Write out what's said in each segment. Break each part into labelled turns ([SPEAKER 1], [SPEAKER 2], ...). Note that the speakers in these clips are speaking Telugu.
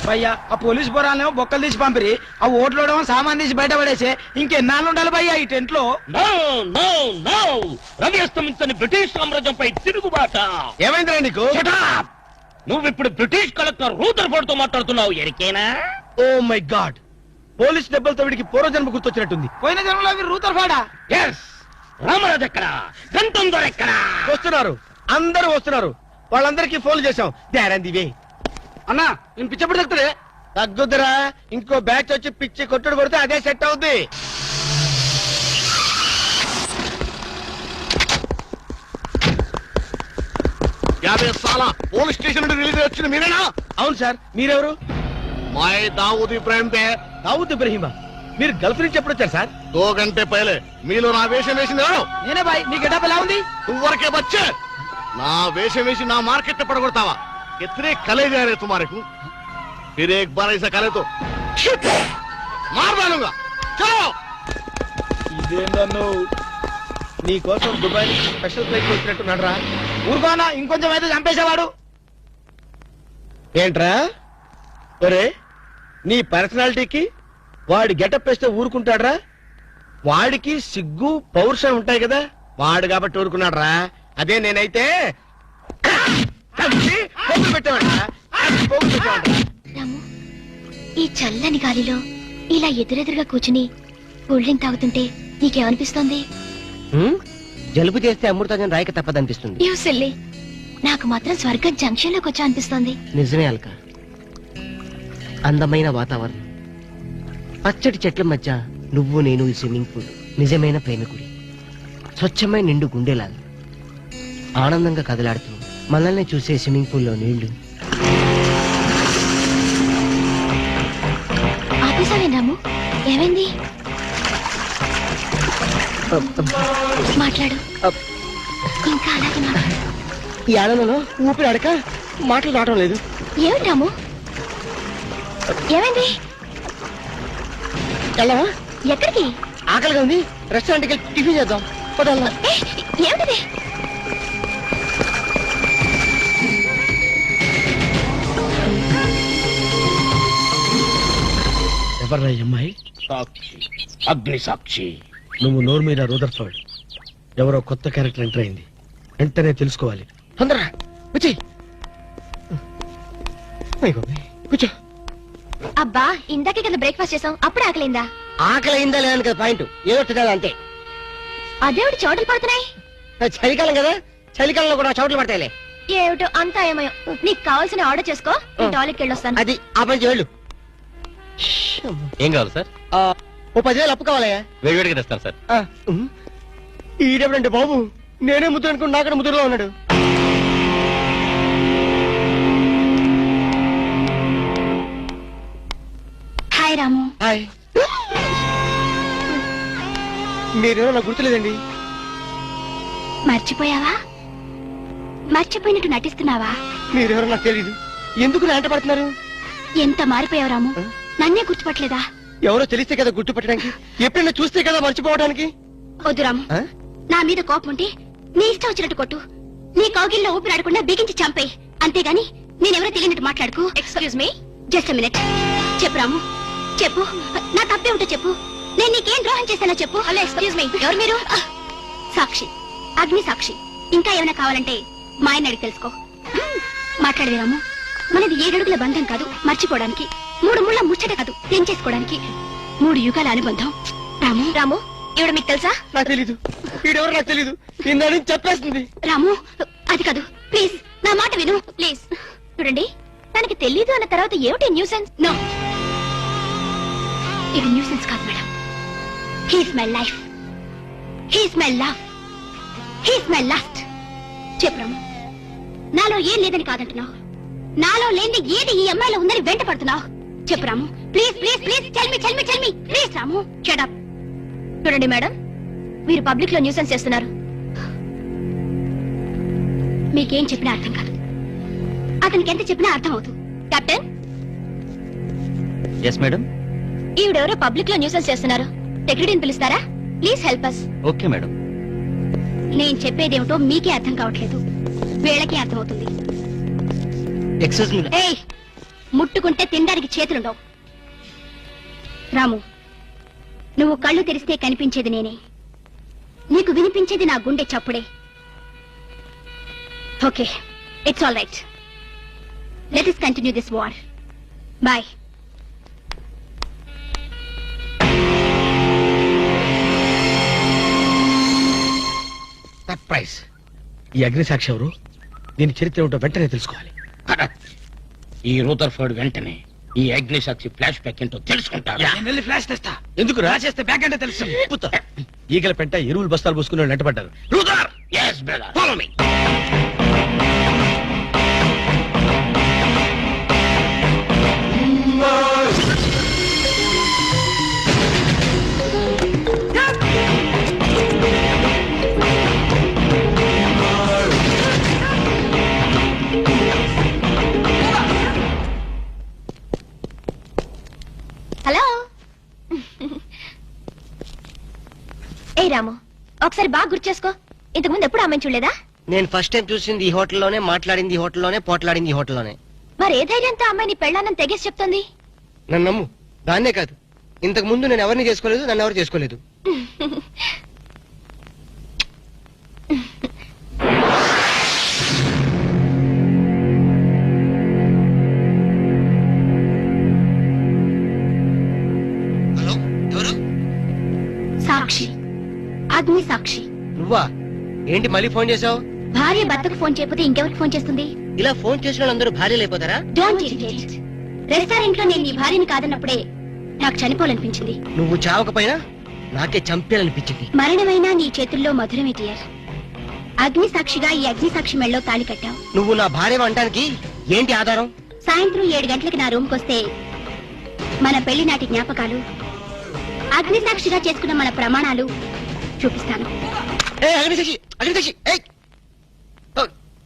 [SPEAKER 1] భయ్యా ఆ పోలీస్ బొరాలేమో బొక్కలు తీసి పంపిరి, ఆ ఓట్లోడేమో సామాన్ తీసి బయట పడేసే. ఇంకెన్నాళ్ళు ఉండాలి భయ్యా ఈ టెంట్ లో?
[SPEAKER 2] రవి అస్తమించని బ్రిటిష్ సామ్రాజ్యంపై తిరుగుబాట.
[SPEAKER 1] ఏమైందిరా నీకు?
[SPEAKER 2] నువ్వు ఇప్పుడు బ్రిటిష్ కలెక్టర్ రూదర్ఫోర్డ్ తో మాట్లాడుతున్నావు. ఎరికేనా?
[SPEAKER 1] ఓ మై గాడ్, పోలీస్ దెబ్బలతో వీడికి పూర్వజన్మ గుర్తొచ్చినట్టుంది. పోయిన జన్మలో అవి రూదర్ఫోర్డా?
[SPEAKER 2] ఎస్. రామరాజు ఎక్కడా? గంటం దొర ఎక్కడా?
[SPEAKER 1] వస్తున్నారు, అందరూ వస్తున్నారు. వాళ్ళందరికీ ఫోన్ చేశాం. దివే అన్నా, నేను పిచ్చప్పుడు తగ్గుతాడే. తగ్గుద్దురా, ఇంకో బ్యాచ్ వచ్చి పిచ్చి కొట్టుడు కొడితే అదే సెట్ అవుద్ది.
[SPEAKER 3] పోలీస్ స్టేషన్ నుండి రిలీజ్ వచ్చింది మీరేనా?
[SPEAKER 1] అవును సార్, మీరెవరు?
[SPEAKER 3] मैं दाऊद इब्राहिम थे।
[SPEAKER 1] దావుద్ ఇబ్రహీమా, మీరు గల్ఫ్ నుంచి ఎప్పుడు వచ్చారు సార్?
[SPEAKER 3] 2 घंटे पहले మీలో నా వేషం వేసింది ఎవరు?
[SPEAKER 1] నేనే బాయ్. మీ గెటప్ ఎలా ఉంది?
[SPEAKER 3] నువ్వరకే బచ్చే, నా వేషం వేసి నా మార్కెట్ పడగొడతావా? कितने कले जा रहे तुम्हारे को? फिर एक बार ऐसा करे तो मार डालूंगा। चलो।
[SPEAKER 1] ఇదేందన్ను నీ కోసం దుబాయ్ నుంచి స్పెషల్ ఫ్లైట్ వచ్చినట్టున్నాడు రా. ఊరుకోనా, ఇంకొంచెం అయితే చంపేసేవాడు. ఏంట్రా ఒరే, నీ పర్సనాలిటీకి వాడి గెటప్ వేస్తే ఊరుకుంటాడ్రా? వాడికి సిగ్గు పౌరుషం ఉంటాయి కదా, వాడు కాబట్టి ఊరుకున్నాడు రా. అదే నేనైతే
[SPEAKER 4] రాము, ఈ చల్లని గాలిలో ఇలా ఎదురెదురుగా కూర్చుని కూల్ డ్రింక్ తాగుతుంటే నీకేమనిపిస్తోంది?
[SPEAKER 5] జలుబు చేస్తే అమృతం రాయక తప్పదనిపిస్తుంది.
[SPEAKER 4] యూ సిల్లీ, నాకు మాత్రం స్వర్గం జంక్షన్ లోకి వచ్చా అనిపిస్తోంది.
[SPEAKER 5] నిజమే అల్క, అందమైన వాతావరణం, పచ్చటి చెట్ల మధ్య నువ్వు నేను, ఈ స్విమ్మింగ్ పూల్ నిజమైన ప్రేమికుడి, స్వచ్ఛమైన నిండు గుండెలాగా ఆనందంగా కదలాడుతూ మనల్ని చూసే స్విమ్మింగ్ పూల్లో నీళ్లు.
[SPEAKER 4] ఆపేసావే రాము, ఏమైంది? మాట్లాడు, ఇంకా అలాగే మాట్లాడు.
[SPEAKER 5] ఈ ఆనందంలో ఊపిరి అడక మాటలు రావడం లేదు.
[SPEAKER 4] ఏమిటి రాము, ఏమైంది?
[SPEAKER 5] వెళ్ళవా?
[SPEAKER 4] ఎక్కడికి?
[SPEAKER 5] ఆకలిగా ఉంది, రెస్టారెంట్కి వెళ్ళి టిఫిన్ చేద్దాం. పదల్లా.
[SPEAKER 4] ఏమిటిది?
[SPEAKER 1] ఎవర్రా ఈ అమ్మాయి?
[SPEAKER 2] సాక్షి, అగ్ని సాక్షి.
[SPEAKER 1] నువ్వు నోరు మీద రూదర్ఫోర్డ్, ఎవరో కొత్త క్యారెక్టర్ ఎంటర్ అయింది. వెంటనే తెలుసుకోవాలి.
[SPEAKER 5] తొందరగా వచ్చి కూర్చో.
[SPEAKER 4] అబ్బా, ఇందాకే కదా బ్రేక్ఫాస్ట్ చేసాం, అప్పుడే ఆకలిందా?
[SPEAKER 5] ఆకలి అయిందా లేదని కదా పాయింట్, ఏదో తినాలి అంతే.
[SPEAKER 4] అదేవిటి చోటలు పడుతున్నాయి?
[SPEAKER 5] చలికాలం కదా, చలికాలంలో కూడా చోట్లు పడతాయిలే.
[SPEAKER 4] ఏమిటో అంతా ఏమయో. నీకు కావాల్సిన ఆర్డర్ చేసుకో, టాయిలెట్కి వెళ్ళొస్తాను.
[SPEAKER 5] అది ఆ పని వెళ్ళు.
[SPEAKER 2] ఏం కావాలి సార్?
[SPEAKER 5] ఓ 10,000 అప్పు కావాలయ్యా.
[SPEAKER 2] వేడివేడిగా తెస్తాను సార్.
[SPEAKER 5] ఈడెవడంటే బాబు, నేనే ముద్దు అనుకుని నాకడ ముద్దులో ఉన్నాడు.
[SPEAKER 4] హాయ్ రాము.
[SPEAKER 5] హాయ్. మీరేమో నాకు గుర్తులేదండి.
[SPEAKER 4] మర్చిపోయావా? మర్చిపోయినట్టు నటిస్తున్నావా?
[SPEAKER 5] మీరెవరో నాకు తెలీదు, ఎందుకు నా వెంట పడుతున్నారు?
[SPEAKER 4] ఎంత మారిపోయావు రాము, నన్నే గుర్తుపట్టలేదా?
[SPEAKER 5] ఎవరో తెలిస్తే కదా గుర్తుపట్టడానికి, ఎప్పుడైనా చూస్తే కదా మర్చిపోవడానికి.
[SPEAKER 4] వద్దు రాము, నా మీద కోపం ఉంటే నీ ఇష్టం వచ్చినట్టు కొట్టు, నీ కౌగిల్లో ఊపిరాడకుండా బిగించి చంపేయి. అంతేగాని నేనెవరో తెలియనట్టు మాట్లాడుకు. Excuse me, just minute. చెప్పు రాము, చెప్పు, నా తప్పే ఉంటే చెప్పు. నేను నీకేం ద్రోహం చేశానో చెప్పు. హలో, ఎక్స్క్యూజ్ మీ, ఎవరు మీరు? సాక్షి, అగ్ని సాక్షి. ఇంకా ఏమైనా కావాలంటే మా ఆయన అడిగి తెలుసుకో. మాట్లాడేది రాము, మనది 7 అడుగుల బంధం కాదు మర్చిపోవడానికి, 3 ముళ్ళ ముచ్చట కాదు తెంచేసుకోవడానికి, 3 యుగాల అనుబంధం. రాము, రాము, ఇవిడ మీకు తెలుసా?
[SPEAKER 5] నాకు తెలీదు, వీడెవరు నాకు తెలీదు, ఇందని చెప్పేస్తుంది.
[SPEAKER 4] రాము, అది కాదు, ప్లీజ్ నా మాట విను, ప్లీజ్. చూడండి, తనకి తెలీదు అన్న తర్వాత ఏమిటి న్యూసెన్స్? నో, ఇది న్యూసెన్స్ కాదు madam. He's my life, he's my love, he's my last. చెప్పు రాము, నాలో ఏం లేదని కాదంటున్నావు, నాలో లేని ఏది ఈ అమ్మాయిలో ఉందని వెంట పడుతున్నావు. చెప్పు Ramu, please please please, tell me please. Ramu, shut up. చూడండి మేడం, మీరు పబ్లిక్ లో న్యూసెన్స్ చేస్తున్నారు. మీకేం చెప్పినా అర్థం కాదు, అతనికి ఎంత చెప్పినా అర్థం అవుతుంది. కెప్టెన్.
[SPEAKER 2] Yes madam.
[SPEAKER 4] ఈవిడెవరో పబ్లిక్ లో న్యూసెన్స్ చేస్తున్నారు, సెక్రటరీని పిలుస్తారా? Please help us.
[SPEAKER 2] Okay madam.
[SPEAKER 4] నేను చెప్పేదేమిటో మీకే అర్థం కావట్లేదు, వీళ్ళకే అర్థం అవుతుంది.
[SPEAKER 5] Excuse me.
[SPEAKER 4] ఏయ్, ముట్టుకుంటే తినడానికి చేతులుండవు. రాము, నువ్వు కళ్ళు తెరిస్తే కనిపించేది నేనే, నీకు వినిపించేది నా గుండె చప్పుడే. Okay, it's all right. Let us continue this war. Boy.
[SPEAKER 1] Surprise. ఈ అగ్నిసాక్షి ఎవరు? దీని చరిత్ర ఏమిటో వెంటనే తెలుసుకోవాలి.
[SPEAKER 2] ఈ రూదర్ఫర్డ్ వెంటనే ఈ అగ్నిసాక్షి ఫ్లాష్ బ్యాక్ ఏంటో తెలుసుకుంటాడు.
[SPEAKER 1] ఫ్లాష్ తెస్తా. ఎందుకు రాసేస్తే బ్యాక్ అంటే తెలుసు. ఈగల పెంట ఎరువులు బస్తాలు పోసుకుని నెట్టబడ్డారు.
[SPEAKER 2] రూదర్, yes brother, follow me.
[SPEAKER 4] Hello. ఏ రాము, ఒకసారి బాగా గుర్తు చేసుకో. ఇంతకుముందు ఎప్పుడు ఆమెను చూడలేదా?
[SPEAKER 5] నేను ఫస్ట్ టైం చూసింది ఈ హోటల్లోనే, మాట్లాడింది ఈ హోటల్లోనే, పోట్లాడింది ఈ హోటల్లోనే.
[SPEAKER 4] మరి ఏ ధైర్యంతో అమ్మాయి నీ పెళ్ళానని తెగేసి చెప్తుంది?
[SPEAKER 5] నన్ను నమ్ము. దాన్నే కాదు, ఇంతకు ముందు నేను ఎవరిని చేసుకోలేదు, నన్ను ఎవరు చేసుకోలేదు. హలో, ఎవరు?
[SPEAKER 4] సాక్షి, అగ్ని సాక్షి.
[SPEAKER 5] నువ్వా? ఏంటి మళ్ళీ ఫోన్ చేసావు?
[SPEAKER 4] భార్య భర్తకు ఫోన్ చేయకపోతే ఇంకెవరికి ఫోన్ చేస్తుంది?
[SPEAKER 5] ఇలా ఫోన్ చేసిన వాళ్ళందరూ భార్యలు అయిపోతారా?
[SPEAKER 4] Don't irritate. రెస్టారెంట్ లో నేను నీ భార్యని కాదన్నప్పుడే నాకు చనిపోవాలనిపించింది.
[SPEAKER 5] నువ్వు చావకపోయినా నాకే చంపేయాలనిపించింది.
[SPEAKER 4] మరణమైనా నీ చేతుల్లో మధురమే డియర్. అగ్ని సాక్షిగా ఈ అగ్ని సాక్షి మెళ్ళలో తాళి కట్టావు.
[SPEAKER 5] నువ్వు నా భార్య అనడానికి ఏంటి ఆధారం?
[SPEAKER 4] సాయంత్రం 7 గంటలకి నా రూమ్ కొస్తే మన పెళ్లి నాటి జ్ఞాపకాలు, అగ్ని సాక్షిగా చేసుకున్న మన ప్రమాణాలు చూపిస్తాను.
[SPEAKER 5] ఏ అగ్నిసాక్షి, అగ్నిసాక్షి, ఏయ్! ఓ!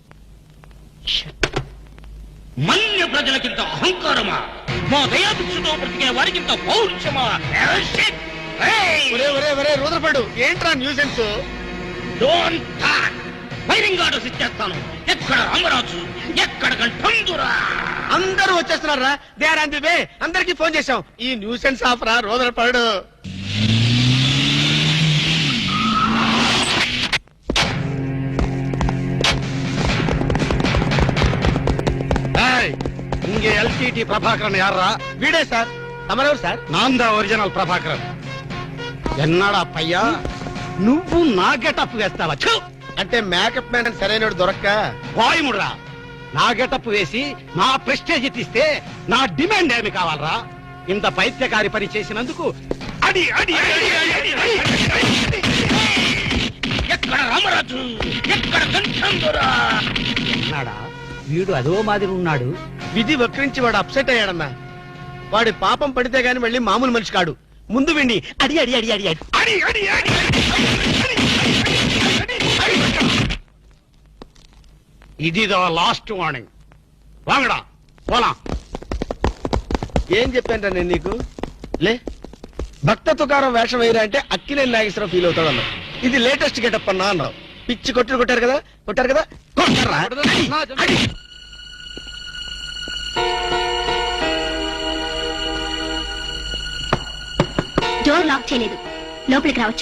[SPEAKER 2] మన్య ప్రజలకింత అహంకారమా? మా దయాభిక్షతో బ్రతికే వారికింత పౌరుషమా?
[SPEAKER 3] రూదర్ఫర్డ్, ఏంట్రా nuisance?
[SPEAKER 2] Don't talk. Firing orders ఇచ్చేస్తాను. ఎక్కడ రామరాజు, ఎక్కడ కంఠందురా?
[SPEAKER 1] అందరూ వచ్చేస్తున్నారా? They are on the way. అందరికి ఫోన్ చేశాం.
[SPEAKER 3] ఈ న్యూసెన్స్ ఆఫ్ రా రూదర్ఫర్డ్. இங்கே எல்டிடி பிரபாகரன் யாரா?
[SPEAKER 1] వీడే సార్. తమరెవరు సార్?
[SPEAKER 3] நான் தான் ఒరిజినల్ ప్రభాకరన్. ఎన్నాడా పయ్యా, నువ్వు నా గెటప్ వేస్తావా? ఛు!
[SPEAKER 1] అంటే మేకప్ మ్యాన్ సరైన దొరక్క
[SPEAKER 3] వాయుముడ్రా. నా గెటప్ వేసి నా ప్రెస్టేజ్ తీస్తే నా డిమాండ్ ఏమి కావాలరా? ఇంత పైత్యకారి పని చేసినందుకు అడి అడి అడి అడి అడి అడి.
[SPEAKER 2] ఎక్కడ రామరాజు, ఎక్కడ కంఠందురా?
[SPEAKER 3] ఎన్నాడా వీడు అదో మాదిరి ఉన్నాడు.
[SPEAKER 1] విధి వక్రించి వాడు అప్సెట్ అయ్యాడన్నా. వాడి పాపం పడితే గాని మళ్ళీ మామూలు మనిషి కాడు. ముందు విండి అడి అడి అడి అడి అడి
[SPEAKER 3] అడి అడి అడి ఇది లాస్ట్ వార్నింగ్. వాంగడా పోలా.
[SPEAKER 1] ఏం చెప్పాను నేను నీకు? లే, భక్త తుకారం వేషం వేయరా అంటే అక్కినేని నాగేశ్వరరావు ఫీల్ అవుతాడు అన్నావు. ఇది లేటెస్ట్ గెటప్ అన్నా అన్నావు. పిచ్చి కొట్టుడు కొట్టారు కదా, కొట్టారు కదా, కొట్టారా?
[SPEAKER 4] డోర్ లాక్ చేయలేదు, లోపలికి రావచ్చు.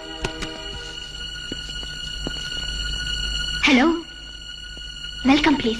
[SPEAKER 4] Hello, welcome please.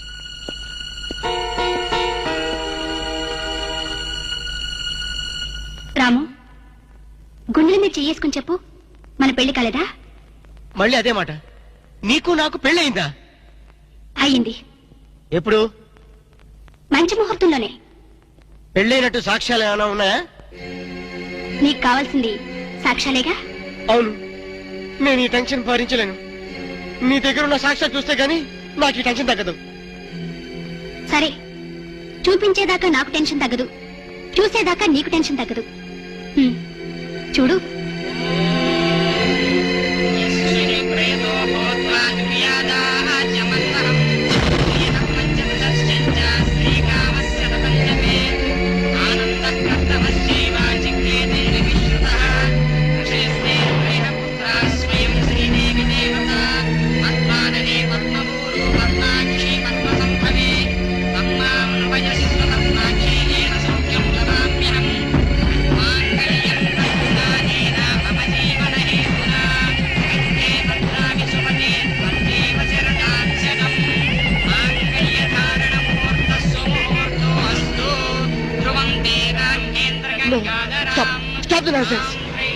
[SPEAKER 4] రాము, గుండెల మీద చెయ్యేసుకుని చెప్పు, మన పెళ్లి కాలేదా?
[SPEAKER 5] మళ్ళీ అదే మాట. నీకు నాకు పెళ్ళయిందా?
[SPEAKER 4] అయ్యింది.
[SPEAKER 5] ఎప్పుడు?
[SPEAKER 4] మంచి ముహూర్తంలోనే.
[SPEAKER 5] పెళ్ళైనట్టు సాక్ష్యాలు ఏమైనా ఉన్నాయా?
[SPEAKER 4] నీకు కావాల్సింది సాక్ష్యాలేగా?
[SPEAKER 5] అవును, నేను ఈ టెన్షన్ భరించలేను. నీ దగ్గర ఉన్న సాక్ష్యాలు చూస్తే గానీ నాకు ఈ టెన్షన్ తగ్గదు.
[SPEAKER 4] సరే, చూపించేదాకా నాకు టెన్షన్ తగ్గదు, చూసేదాకా నీకు టెన్షన్ తగ్గదు. చూడు.
[SPEAKER 5] Stop the nonsense.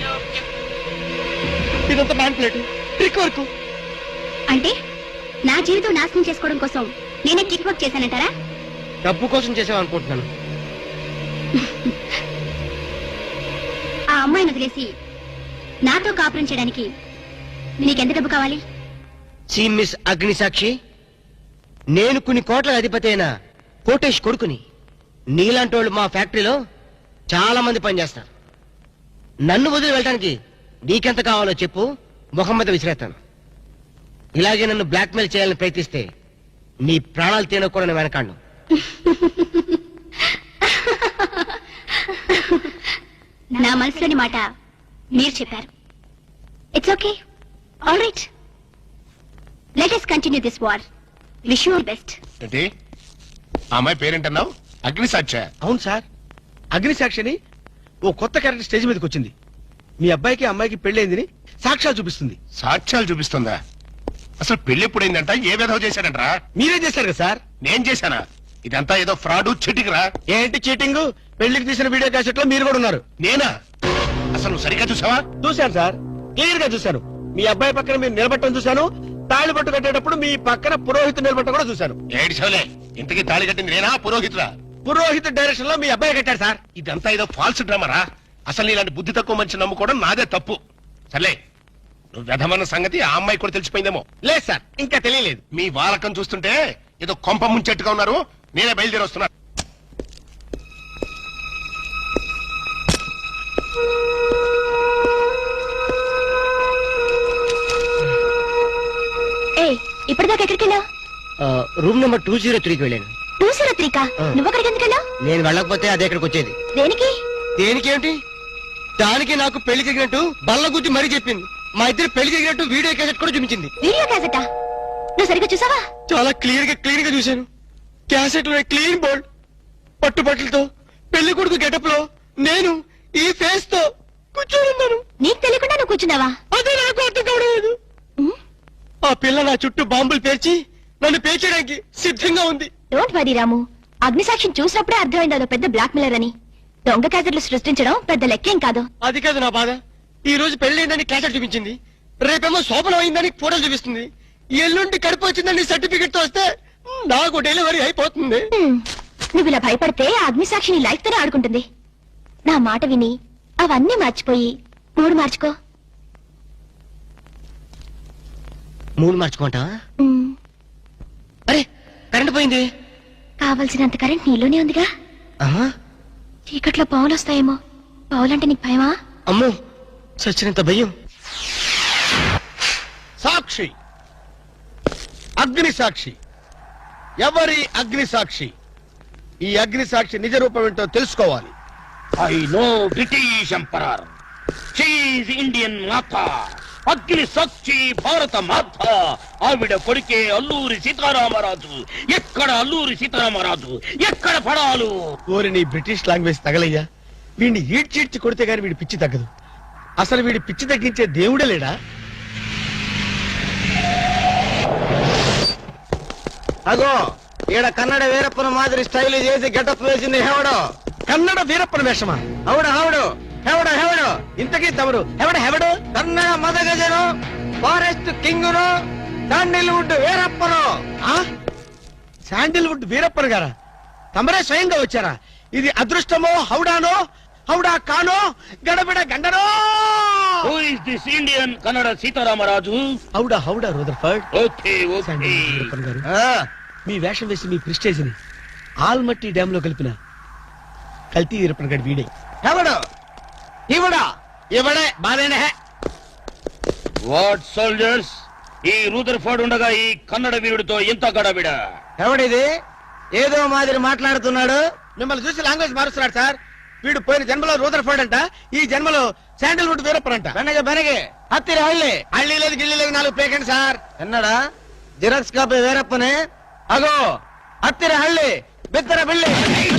[SPEAKER 5] ఇదంతా మ్యానిపులేట్, ట్రిక్ వర్క్.
[SPEAKER 4] అంటే నా జీవితం నాశనం చేసుకోవడం కోసం నేనే కిక్ వర్క్ చేశానంటారా?
[SPEAKER 5] డబ్బు కోసం చేసావనుకుంటున్నాను.
[SPEAKER 4] ఆ అమ్మాయిని వదిలేసి నాతో కాపురం చేయడానికి నీకెంత డబ్బు కావాలి?
[SPEAKER 5] సి మిస్ అగ్నిసాక్షి, నేను కొన్ని కోట్ల అధిపతి అయిన కోటేష్ కొడుకుని. నీలాంటి వాళ్ళు మా ఫ్యాక్టరీలో చాలా మంది పనిచేస్తారు. నన్ను వదిలి వెళ్ళడానికి నీకెంత కావాలో చెప్పు, ముఖం మీద విసిరేస్తాను. ఇలాగే నన్ను బ్లాక్మెయిల్ చేయాలని ప్రయత్నిస్తే నీ ప్రాణాలు తినకూడని వెనకాండు.
[SPEAKER 4] నా మనసులోని మాట మీరు చెప్పారు. It's okay, all right, let us continue this war. Wish you all best.
[SPEAKER 3] ఏంటి ఆ అమ్మాయి పేరేంటన్నావు? అగ్నిసాక్ష?
[SPEAKER 1] అవును సార్, అగ్నిసాక్షిని ఓ కొత్త క్యారెక్టర్ స్టేజ్ మీదకి వచ్చింది. మీ అబ్బాయికి అమ్మాయికి పెళ్ళైందని సాక్ష్యాలు చూపిస్తుంది.
[SPEAKER 3] సాక్ష్యాలు చూపిస్తుందా? అసలు పెళ్లి ఎప్పుడైందంట? ఏ విధవ చేశాడంట్రా?
[SPEAKER 1] మీరే చేశారు కదా సార్?
[SPEAKER 3] నేను చేశానా? ఇదంతా ఏదో ఫ్రాడ్ చీటింగ్ రా.
[SPEAKER 1] ఏంటి చీటింగ్? పెళ్లికి తీసిన వీడియో క్యాసెట్ లో మీరు కూడా ఉన్నారు.
[SPEAKER 3] నేనా? అసలు నువ్వు సరిగ్గా చూసావా?
[SPEAKER 1] చూశాను సార్, క్లియర్ గా చూశాను. మీ అబ్బాయి పక్కన మీరు నిలబట్టడం చూశాను. తాళి పట్టు కట్టేటప్పుడు మీ పక్కన పురోహితుడు నిలబట్టడం కూడా చూశాను.
[SPEAKER 3] ఏడు చవలే, ఇంతకీ తాళి కట్టింది నేనా పురోహితుడా?
[SPEAKER 1] పురోహితు డైరెక్షన్ లో మీ అబ్బాయి కట్టాడు సార్.
[SPEAKER 3] ఇదంతా ఏదో ఫాల్స్ డ్రామారా. అసలు ఇలాంటి బుద్ధి తక్కువ మంచి నమ్ముకోవడం నాదే తప్పు. సర్లే, నువ్వు వ్యధమన్న సంగతి ఆ అమ్మాయి కూడా తెలిసిపోయిందేమో.
[SPEAKER 1] లేదు సార్, ఇంకా తెలియలేదు.
[SPEAKER 3] మీ వాలకం చూస్తుంటే ఏదో కొంప ముంచెట్టుగా ఉన్నారు. నేనే బయలుదేరి వస్తున్నా.
[SPEAKER 4] ఏ ఇప్పటిదాకా ఎక్కడికి వెళ్ళావు?
[SPEAKER 5] రూమ్ నెంబర్ 203కి వెళ్ళాను.
[SPEAKER 4] 203 కా? నువ్వు అక్కడికి ఎందుకు వెళ్ళావు?
[SPEAKER 5] నేను వెళ్ళకపోతే అదే ఇక్కడికి వచ్చేది.
[SPEAKER 4] దేనికి?
[SPEAKER 5] దేనికేంటి? దానికి నాకు పెళ్లి జరిగినట్టు బల్ల గుద్ది మరీ చెప్పింది. మా ఇద్దరు పెళ్లి జరిగినట్టు వీడియో క్యాసెట్ కూడా చూపించింది.
[SPEAKER 4] వీడియో క్యాసెటా? నువ్వు సరిగ్గా చూసావా?
[SPEAKER 5] చాలా క్లియర్ గా చూశాను. క్యాసెట్ లో క్లీన్ బోల్డ్ పట్టుబట్టలతో పెళ్లి కొడుకు గెటప్ లో నేను ఈ ఫేస్ తో కూర్చొని ఉన్నాను.
[SPEAKER 4] నీకు తెలియకుండా నువ్వు కూర్చున్నావా?
[SPEAKER 5] అదే నాకు అర్థం కావడం. ఆ పిల్ల నా చుట్టూ బాంబులు పేర్చి నన్ను పేర్చడానికి సిద్ధంగా ఉంది.
[SPEAKER 4] డోంట్ వరీ రాము, అగ్నిసాక్షిని చూసినప్పుడే అర్థమైంది అదో పెద్ద బ్లాక్ మెయిలర్ అని. దొంగ క్యాసెట్లు సృష్టించడం పెద్ద లెక్కేం కాదు.
[SPEAKER 5] అది కాదు నా బాధ. ఈ రోజు పెళ్లి క్యాసెట్ చూపించింది, రేపేమో శోభనం అయిందని ఫోటోలు చూపిస్తుంది, ఎల్లుండి కడుపు వచ్చిందని సర్టిఫికెట్ తో వస్తే నాకు డెలివరీ అయిపోతుంది.
[SPEAKER 4] నువ్వు ఇలా భయపడితే ఆ అగ్నిసాక్షిని లైఫ్ తోనే ఆడుకుంటుంది. నా మాట విని అవన్నీ మర్చిపోయి మూడు మార్చుకో.
[SPEAKER 5] మూడు మార్చుకుంటా? అరే కరెంట్ పోయింది.
[SPEAKER 4] కావలసినంత కరెంట్ నీలోనే ఉందిగా.
[SPEAKER 5] ఆహా,
[SPEAKER 4] చీకట్లో పావులు వస్తాయేమో. పావులంటే నీకు భయమా?
[SPEAKER 5] అమ్మో, చచ్చినంత భయం.
[SPEAKER 1] సాక్షి, అగ్ని సాక్షి. ఎవరి అగ్ని సాక్షి? ఈ అగ్ని సాక్షి నిజ రూపం ఏంటో తెలుసుకోవాలి.
[SPEAKER 2] I know British emperor, she Indian మాత, అగ్ని సాక్షి భారత మాత. ఆవిడ కొడుకే అల్లూరి సీతారామరాజు. ఎక్కడ అల్లూరి సీతారామరాజు, ఎక్కడ పడాలు?
[SPEAKER 1] ఓరి నీ బ్రిటిష్ లాంగ్వేజ్ తగలయ్యా. వీడిని ఈడ్చిడ్చి కొడితే గాని వీడి పిచ్చి తగ్గదు. అసలు వీడి పిచ్చి తగ్గించే దేవుడే లేడా?
[SPEAKER 5] అగో ఈడ కన్నడ వీరప్పన మాదిరి స్టైల్ చేసి గెటప్ వేసింది హెవడో.
[SPEAKER 1] కన్నడ వీరప్పన వేషమా?
[SPEAKER 5] హౌడు హౌడు హెవడో హెవడో.
[SPEAKER 1] ఇంతకీ తమరు ఎవడు?
[SPEAKER 5] కన్నడ మదగజను, ఫారెస్ట్ కింగును, శాండిల్వుడ్ వీరప్పను.
[SPEAKER 1] శాండిల్వుడ్ వీరప్పన్ గారా? తమరే స్వయంగా వచ్చారా? ఇది అదృష్టమో హౌడానో, హౌడా కానో, గడబిడ గండనో?
[SPEAKER 2] Who is this Indian Kannada Sitaramaraju?
[SPEAKER 1] హౌడా Rutherford.
[SPEAKER 2] Okay okay.
[SPEAKER 1] Sandalwood Veerappan గారు, మీ వేషం వేసి మీ ప్రిస్టేజ్ ని ఆల్మట్టి డ్యామ్ లో కలిపిన కల్తీ వీరప్పన్ గారి వీడే.
[SPEAKER 5] హెవడో ఇవడా? ఇవడే బాధేనే.
[SPEAKER 2] వాట్ సోల్జర్స్, ఈ రూదర్ఫర్డ్ ఉండగా ఈ కన్నడ వీరుడితో ఎంత గడబిడ?
[SPEAKER 5] ఎవడిది ఏదో మాదిరి మాట్లాడుతున్నాడు?
[SPEAKER 1] మిమ్మల్ని చూసి లాంగ్వేజ్ మారుస్తున్నాడు సార్. వీడు పోయిన జన్మలో రూదర్ఫర్డ్ అంట, ఈ జన్మలో శాండిల్వుడ్ వీరప్పన్ అంట.
[SPEAKER 5] బెనగే హత్తిరి హళ్ళి.
[SPEAKER 1] హళ్ళీ లేదు గిల్లి లేదు, 4 పేకండి సార్.
[SPEAKER 5] ఎన్నడా జిరాక్స్ కాపీ వీరప్పనే. అగో హత్తిరి హళ్ళి బిత్తర బిల్లి.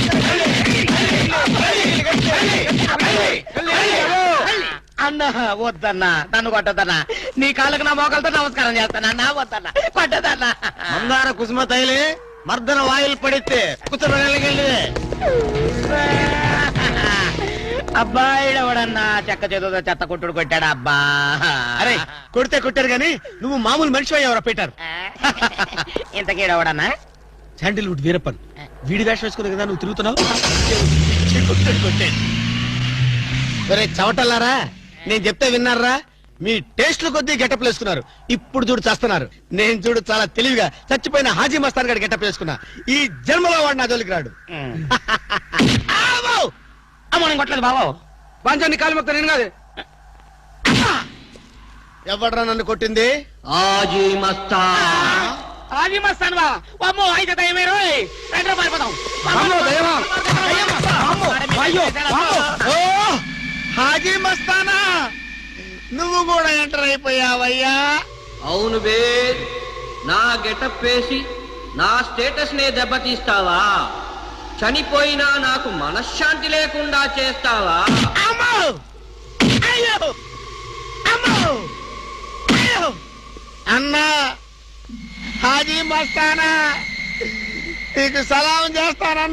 [SPEAKER 2] అన్న వద్దన్నా, నన్ను కొట్టదన్నా. నీ కాళ్ళకు నా మోకాలతో నమస్కారం చేస్తానన్నా. వద్దన్నా, కొట్టదన్నా.
[SPEAKER 5] మందార కుసుమ తైలి మర్దన వాయిల్ పడితే కుతురగలిగింది.
[SPEAKER 2] అబ్బాయిడవడన్నా చెక్క చేతుతో చెత్త కొట్టుడు కొట్టాడు అబ్బా.
[SPEAKER 1] అరే కొడితే కొట్టారు గాని నువ్వు మామూలు మనిషి అయ్యావరా పీటర్.
[SPEAKER 2] ఇంతకీడవడన్నా
[SPEAKER 1] శాండిల్వుడ్ వీరప్పన్ వీడి వేషం వేసుకుని కదా నువ్వు తిరుగుతున్నావు. ఒరే చవటల్లారా, నేను చెప్తే విన్నారా? మీ టేస్ట్ల కొద్దీ గెటప్ వేసుకున్నారు. ఇప్పుడు చూడు చేస్తున్నారు. నేను చూడు చాలా తెలివిగా చచ్చిపోయిన హాజీ మస్తాన్ గారి గెటప్ వేసుకున్నా. ఈ జన్మలో వాడు నా జోలికి రాడు.
[SPEAKER 2] అమ్మ నేను కొట్టలేదు బాబు.
[SPEAKER 1] పంచాన్ని కాలు మొక్క నేను కాదు. ఎవడ్రా నన్ను కొట్టింది?
[SPEAKER 5] ఆజీ మస్తా
[SPEAKER 2] ఆజీ మస్తాన్ బా. అమ్మో అయితే దయమే రోయ్. రండి పారిపోదాం.
[SPEAKER 1] అమ్మో, దయ్యమా? ఓ హాజీ మస్తానా, నువ్వు కూడా ఎంటర్ అయిపోయావయ్యా.
[SPEAKER 5] అవును బే, నా గెటప్ వేసి నా స్టేటస్ నే దెబ్బతీస్తావా? చనిపోయినా నాకు మనశ్శాంతి లేకుండా చేస్తావా?
[SPEAKER 1] అమ్మో! అయ్యో! అమ్మో! అయ్యో! అన్నా హాజీ మస్తానా, నీకు సలాం చేస్తానన్నా.